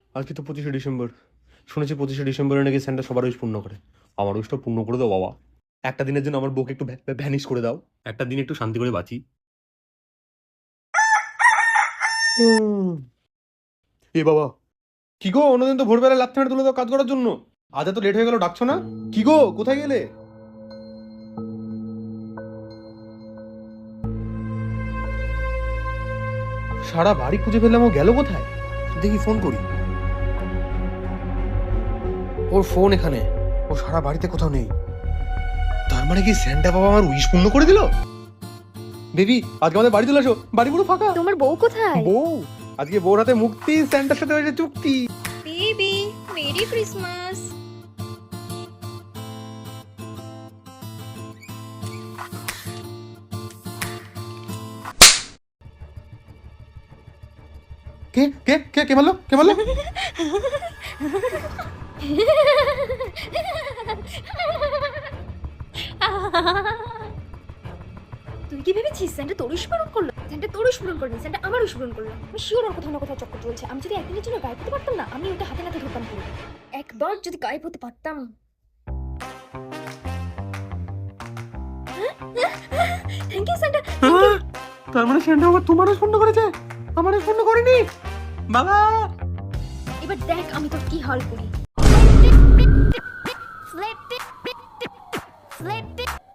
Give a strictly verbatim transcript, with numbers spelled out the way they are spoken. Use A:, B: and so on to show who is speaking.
A: আজকে তো পঁচিশে ডিসেম্বর। শুনেছি পঁচিশে ডিসেম্বরে নাকি স্যান্টা সবার উইশ পূর্ণ করে। আমার উইশটা পূর্ণ করে দাও বাবা। একটা দিনের জন্য আমার বউকে একটু ভ্যানিশ করে দাও। একটা দিন একটু শান্তি করে বাঁচি। এ বাবা, কি গো অন্যদিন তো ভোরবেলা লাথি মেরে তুলে দাও কাজ করার জন্য, আজ এত লেট হয়ে গেল, ডাকছো না? কি গো কোথায় গেলে? সারা বাড়ি খুঁজে ফেললাম, ও গেল কোথায়? দেখি ফোন করি। ওর ফোন এখানে, ও সারা বাড়িতে কোথাও নেই। তার মানে কি স্যান্টা বাবা আমার উইশ পূর্ণ করে দিল? বেবি আজকে আমাদের বাড়ি চলে আসো, বাড়ি পুরো ফাঁকা।
B: তোমার বউ কোথায়?
A: বউ আজকে বউর হাতে মুক্তি, স্যান্টার সাথে হয়েছে চুক্তি।
B: Baby merry Christmas.
A: কে কে কে কে বললো কে বললো?
B: তুই কি ভেবেছিস স্যান্টা তোর উইশ পূরণ করলো? স্যান্টা তোর উইশ পূরণ করলো, স্যান্টা আমার উইশ পূরণ করলো। আমি শিওর ওর কোথাও না কোথাও চক্কর চলছে। আমি যদি একদিনের জন্য গায়েব হতে পারতাম না, আমি ওটা হাতে নাতে ধরতাম পুরো। একবার যদি গায়েব হতে পারতাম। Thank you Santa.
A: তার মানে স্যান্টা বাবা তোমারও পূর্ণ করেছে, আমারও পূর্ণ করেনি বাবা।
B: এবার দেখ আমি তোর কি হাল করি। স্লেপ